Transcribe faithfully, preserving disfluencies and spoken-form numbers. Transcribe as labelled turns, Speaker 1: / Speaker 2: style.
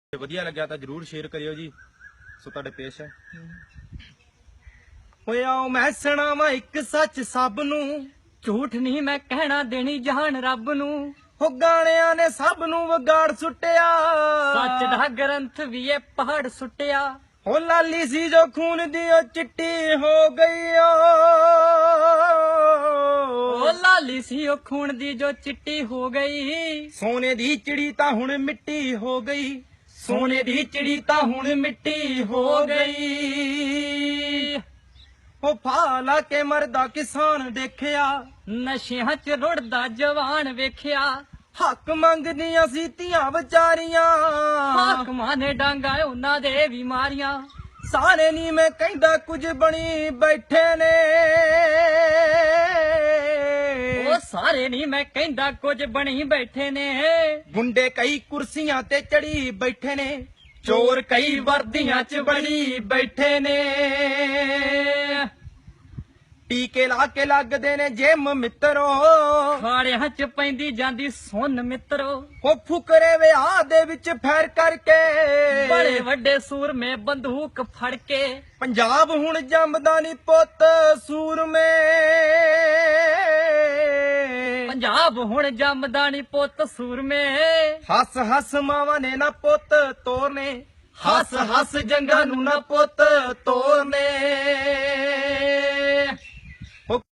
Speaker 1: ਵਧੀਆ ਲੱਗਿਆ ਤਾਂ ਜਰੂਰ ਸ਼ੇਅਰ ਕਰਿਓ ਜੀ। ਸੋ ਤੁਹਾਡੇ ਪੇਸ਼ ਹੈ। ਹੋਇਆ ਮੈਂ ਸੁਣਾਵਾਂ ਇੱਕ ਸੱਚ ਸਭ ਨੂੰ,
Speaker 2: ਝੂਠ ਨਹੀਂ ਮੈਂ ਕਹਿਣਾ, ਦੇਣੀ ਜਹਾਨ ਰੱਬ ਨੂੰ।
Speaker 1: ਹੋ ਗਾਣਿਆਂ ਨੇ ਸਭ ਨੂੰ ਵਿਗਾੜ ਸੁੱਟਿਆ,
Speaker 2: ਸੱਚ ਦਾ ਗ੍ਰੰਥ ਵੀ ਇਹ ਪਹਾੜ ਸੁੱਟਿਆ।
Speaker 1: ਹੋ ਲਾਲੀ ਸੀ ਜੋ ਖੂਨ ਦੀ ਉਹ ਚਿੱਟੀ ਹੋ ਗਈ ਓ,
Speaker 2: ਉਹ ਲਾਲੀ ਸੀ ਉਹ ਖੂਨ ਦੀ ਜੋ ਚਿੱਟੀ ਹੋ ਗਈ।
Speaker 1: ਸੋਨੇ ਦੀ ਚਿੜੀ ਤਾਂ ਹੁਣ ਮਿੱਟੀ ਹੋ ਗਈ, ਸੋਨੇ ਦੀ ਚਿੜੀ ਤਾਂ ਹੁਣ ਮਿੱਟੀ ਹੋ ਗਈ। ਉਹ ਫਾ ਲਾ ਕੇ ਮਰਦਾ ਕਿਸਾਨ ਦੇਖਿਆ,
Speaker 2: ਨਸ਼ਿਆਂ ਚ ਰੁੜਦਾ ਜਵਾਨ ਵੇਖਿਆ।
Speaker 1: ਹੱਕ ਮੰਗਦੀਆਂ ਸੀ ਧੀਆਂ ਵਿਚਾਰੀਆਂ,
Speaker 2: ਹਾਕਮਾਂ ਨੇ ਡਾਂਗਾ ਉਹਨਾਂ ਦੇ ਵੀ ਮਾਰੀਆਂ।
Speaker 1: ਸਾਰੇ ਨੀ ਮੈਂ ਕਹਿੰਦਾ ਕੁਝ ਬਣੀ ਬੈਠੇ ਨੇ,
Speaker 2: ਉਹ ਸਾਰੇ ਨਹੀਂ ਮੈਂ ਕਹਿੰਦਾ ਕੁਝ ਬਣੀ ਬੈਠੇ ਨੇ।
Speaker 1: ਗੁੰਡੇ ਕਈ ਕੁਰਸੀਆਂ ਤੇ ਚੜੀ ਬੈਠੇ ਨੇ, ਚੋਰ ਕਈ ਵਰਦੀਆਂ ਚ ਬੜੀ ਬੈਠੇ ਨੇ। ਟੀਕੇ ਲਾ ਕੇ ਲੱਗਦੇ ਨੇ ਜਿਮ ਮਿੱਤਰੋ,
Speaker 2: ਖਾੜਿਆਂ ਚ ਪੈਂਦੀ ਜਾਂਦੀ ਸੁਣ ਮਿੱਤਰੋ।
Speaker 1: ਉਹ ਫੁਕਰੇ ਵਿਆਹ ਦੇ ਵਿੱਚ ਫੈਰ ਕਰਕੇ,
Speaker 2: ਬੜੇ ਵੱਡੇ ਸੂਰਮੇ ਬੰਦੂਕ ਫੜ ਕੇ।
Speaker 1: ਪੰਜਾਬ ਹੁਣ ਜੰਮਦਾ ਨੀ ਪੁੱਤ ਸੂਰਮੇ,
Speaker 2: ਪੰਜਾਬ ਹੁਣ ਜੰਮਦਾ ਨੀ ਪੁੱਤ ਸੂਰਮੇ।
Speaker 1: ਹੱਸ ਹੱਸ ਮਾਵਾਂ ਨੇ ਨਾ ਪੁੱਤ ਤੋਰਨੇ, ਹੱਸ ਹੱਸ ਜੰਗਾਂ ਨੂੰ ਨਾ ਪੁੱਤ ਤੋਰਨੇ।